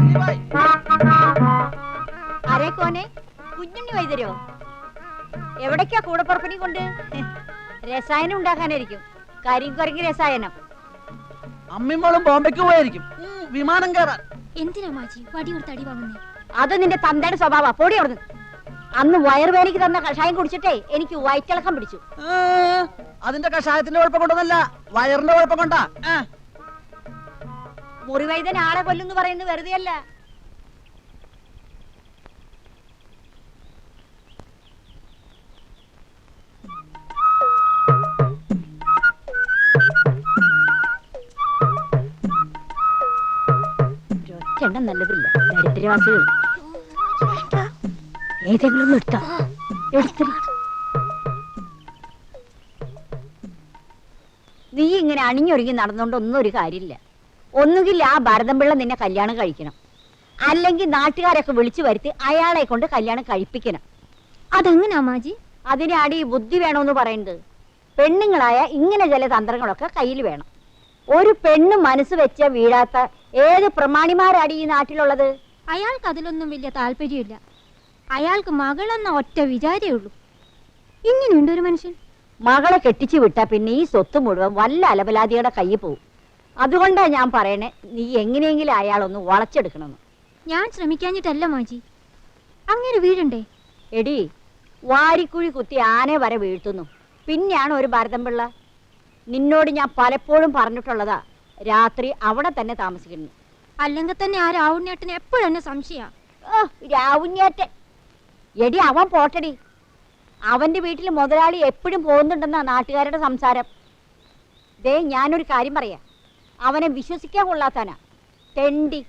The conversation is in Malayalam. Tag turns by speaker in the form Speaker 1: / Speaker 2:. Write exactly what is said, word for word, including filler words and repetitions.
Speaker 1: ആരേക്കോനെ കുഞ്ഞുണ്ണി വൈദ്യരോ? എവിടേക്കാ കൂടപ്പുറപ്പിനെ കൊണ്ട്? രസായനം ഉണ്ടാക്കാനായിരിക്കും. കരിങ്കുരങ്ങി രസായനം.
Speaker 2: അമ്മിമോളും ബോംബെക്ക് പോയായിരിക്കും വിമാനം കയറാൻ.
Speaker 3: എന്തിനാ മാജി വടി കൊടുത്ത് അടി വാങ്ങുന്നേ?
Speaker 1: അത് നിന്റെ തന്തയുടെ സ്വഭാവ. പൊടി അവിടുന്ന്. അന്ന് വയറുവേനയ്ക്ക് തന്ന കഷായം കുടിച്ചിട്ടേ എനിക്ക് വയറ്റിളക്കം പിടിച്ചു.
Speaker 2: അതിന്റെ കഷായത്തിന്റെ കുഴപ്പം കൊണ്ടൊന്നല്ല, വയറിന്റെ കുഴപ്പം കൊണ്ടാ.
Speaker 1: മുറിവൈദ്യൻ ആളെ കൊല്ലുന്നു പറയുന്നത് വെറുതെ അല്ല. ഒറ്റെണ്ണം നല്ലതില്ല. ദരിദ്രവാസികൾ ഏതെങ്കിലും ഒന്ന് എടുത്താ എടുത്ത. നീ ഇങ്ങനെ അണിഞ്ഞൊരുങ്ങി നടന്നുകൊണ്ട് ഒന്നും ഒരു കാര്യമില്ല. ഒന്നുകിൽ ആ ഭരതംപിള്ള നിന്നെ കല്യാണം കഴിക്കണം, അല്ലെങ്കിൽ നാട്ടുകാരൊക്കെ വിളിച്ചു വരുത്തി അയാളെ കൊണ്ട് കല്യാണം കഴിപ്പിക്കണം.
Speaker 3: അതെങ്ങനാ മാജി?
Speaker 1: അതിനാടി ബുദ്ധി വേണമെന്ന് പറയുന്നത്. പെണ്ണുങ്ങളായ ഇങ്ങനെ ചില തന്ത്രങ്ങളൊക്കെ കയ്യിൽ വേണം. ഒരു പെണ്ണ് മനസ്സ് വെച്ച വീഴാത്ത ഏത് പ്രമാണിമാരാടി ഈ നാട്ടിലുള്ളത്?
Speaker 3: അയാൾക്ക് അതിലൊന്നും വലിയ താല്പര്യമില്ല. അയാൾക്ക് മകളെന്ന ഒറ്റ വിചാരേ ഉള്ളൂ. ഇങ്ങനെയുണ്ട് ഒരു മനുഷ്യൻ.
Speaker 1: മകളെ കെട്ടിച്ചു വിട്ടാ പിന്നെ ഈ സ്വത്ത് മുഴുവൻ വല്ല അലബലാദിയുടെ കയ്യിൽ പോവും. അതുകൊണ്ടാ ഞാൻ പറയണേ, നീ എങ്ങനെയെങ്കിലും അയാളൊന്ന് വളച്ചെടുക്കണമെന്ന്.
Speaker 3: ഞാൻ ശ്രമിക്കാഞ്ഞിട്ടല്ല മാജി. അങ്ങനെ വീഴണ്ടേ?
Speaker 1: എടി, വാരിക്കുഴി കുത്തി ആനെ വരെ വീഴ്ത്തുന്നു, പിന്നെയാണ് ഒരു ഭരതംപിള്ള. നിന്നോട് ഞാൻ പലപ്പോഴും പറഞ്ഞിട്ടുള്ളതാ, രാത്രി അവിടെ തന്നെ താമസിക്കുന്നു.
Speaker 3: അല്ലെങ്കിൽ തന്നെ ആ രാവുണ്ണേട്ടന് എപ്പോഴെന്നെ സംശയ.
Speaker 1: രാവുണ്ണേട്ടൻ എടി, അവൻ പോട്ടടി. അവന്റെ വീട്ടിൽ മുതലാളി എപ്പോഴും പോകുന്നുണ്ടെന്നാ നാട്ടുകാരുടെ സംസാരം. ദേ, ഞാനൊരു കാര്യം പറയാം, അവനെ വിശ്വസിക്കാൻ കൊള്ളാത്തനാ. തെണ്ടി.